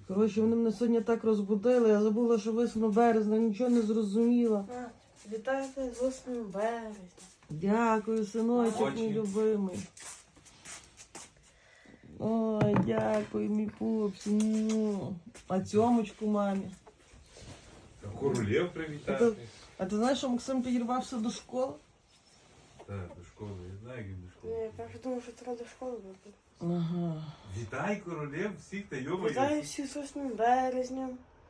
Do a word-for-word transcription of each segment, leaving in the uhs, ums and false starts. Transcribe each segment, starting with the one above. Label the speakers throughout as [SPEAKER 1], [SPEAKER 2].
[SPEAKER 1] Коротше, вони мене сьогодні так розбудили, я забула, що восьмого березня, нічого не зрозуміла.
[SPEAKER 2] А, вітаю тебе з восьмим березня.
[SPEAKER 1] Дякую, синочок, мій любимий. Ой, дякую, мій пупсі. Ну. А цьомочку мамі.
[SPEAKER 3] Королів
[SPEAKER 1] А
[SPEAKER 3] привітати.
[SPEAKER 1] ти, а ти знаєш, що Максим підірвався до школи?
[SPEAKER 3] Так, до школи. Я знаю, як він до
[SPEAKER 2] Ні,
[SPEAKER 3] школи.
[SPEAKER 2] я перше думав, що треба до школи бути.
[SPEAKER 1] Ага.
[SPEAKER 3] Вітай королів всіх та йома.
[SPEAKER 2] Вітаю всіх з восьмим березням.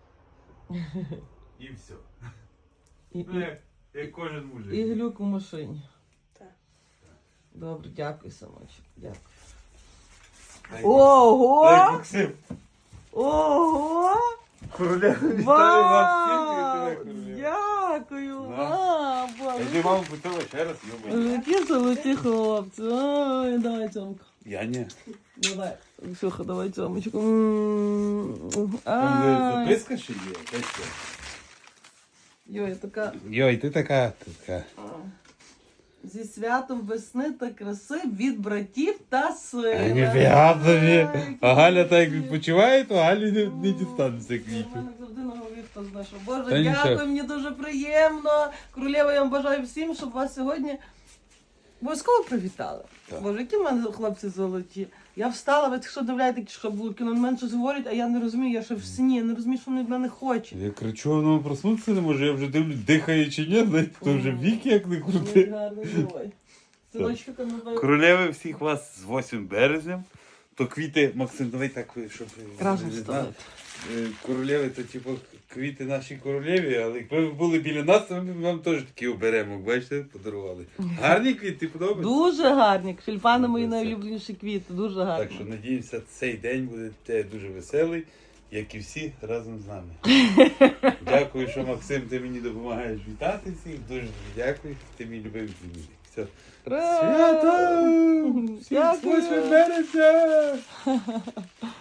[SPEAKER 3] І все.
[SPEAKER 1] І,
[SPEAKER 3] Ну,
[SPEAKER 1] і,
[SPEAKER 3] як, як кожен мужик.
[SPEAKER 1] і глюк у машині.
[SPEAKER 2] Так.
[SPEAKER 1] Добре, дякую, синочок. Дякую.
[SPEAKER 3] Дай- Дай,
[SPEAKER 1] Ого!
[SPEAKER 3] Максим.
[SPEAKER 1] Ого!
[SPEAKER 3] Королів вітаю
[SPEAKER 1] Вау!
[SPEAKER 3] вас всіх. Вітаю королів.
[SPEAKER 1] Дякую!
[SPEAKER 3] Да.
[SPEAKER 1] А,
[SPEAKER 3] Я
[SPEAKER 1] Боже.
[SPEAKER 3] тобі маму питала ще раз, йома.
[SPEAKER 1] Які золоті хлопці. Ой, давай цьомку.
[SPEAKER 3] Я ні.
[SPEAKER 1] Давай. Ксюха, давай цьомочку. М.
[SPEAKER 3] Там де
[SPEAKER 1] Ай.
[SPEAKER 3] записка ще є. Дай ще.
[SPEAKER 1] Йой, така.
[SPEAKER 3] Йой, ти така, така.
[SPEAKER 1] Зі святом весни та краси від братів та сили.
[SPEAKER 3] Ніфіга собі.
[SPEAKER 1] Ай,
[SPEAKER 3] А Галя так як
[SPEAKER 1] які
[SPEAKER 3] відпочиває, то Галі не, не
[SPEAKER 1] Ну,
[SPEAKER 3] дістанеться
[SPEAKER 1] У
[SPEAKER 3] квітів.
[SPEAKER 1] мене завжди на голові хто знайшов. Боже,
[SPEAKER 3] Та
[SPEAKER 1] дякую,
[SPEAKER 3] нічого.
[SPEAKER 1] мені дуже приємно. Королева, я вам бажаю всім, щоб вас сьогодні обов'язково привітали.
[SPEAKER 3] Так.
[SPEAKER 1] Боже, які в мене хлопці золоті. Я встала, ви що дивляєте, що було кіно, на мене щось говорять, а я не розумію, я ще в сні, я не розумію, що вони від мене хочуть.
[SPEAKER 3] Я кричу, воно проснутися не може, я вже дивлюсь, дихає чи ні, знаєте, то вже вік як не
[SPEAKER 1] Ой,
[SPEAKER 3] крути.
[SPEAKER 1] гарний герой. Синочка, кам'яна.
[SPEAKER 3] Королеви всіх вас з восьмим березням. То квіти, Максим, давай так, щоб...
[SPEAKER 1] Разом
[SPEAKER 3] не
[SPEAKER 1] ставити.
[SPEAKER 3] знав. Е, Королеви, то типу квіти наші королеві, але якби ви були біля нас, то ми б вам теж такі оберемок, бачите, подарували. Гарні квіти, подобаються?
[SPEAKER 1] Дуже гарні. Тюльпани мої
[SPEAKER 3] Дуже.
[SPEAKER 1] найулюбленіші квіти, дуже гарні.
[SPEAKER 3] Так що надіємося, цей день буде те дуже веселий, як і всі разом з нами. Дякую, що Максим, ти мені допомагаєш вітати всіх. Дуже дуже дякую. Ти мій любимий племінник. Все.
[SPEAKER 1] Ура!
[SPEAKER 3] Свято! Всіх з
[SPEAKER 1] Дякую.
[SPEAKER 3] восьмим березня!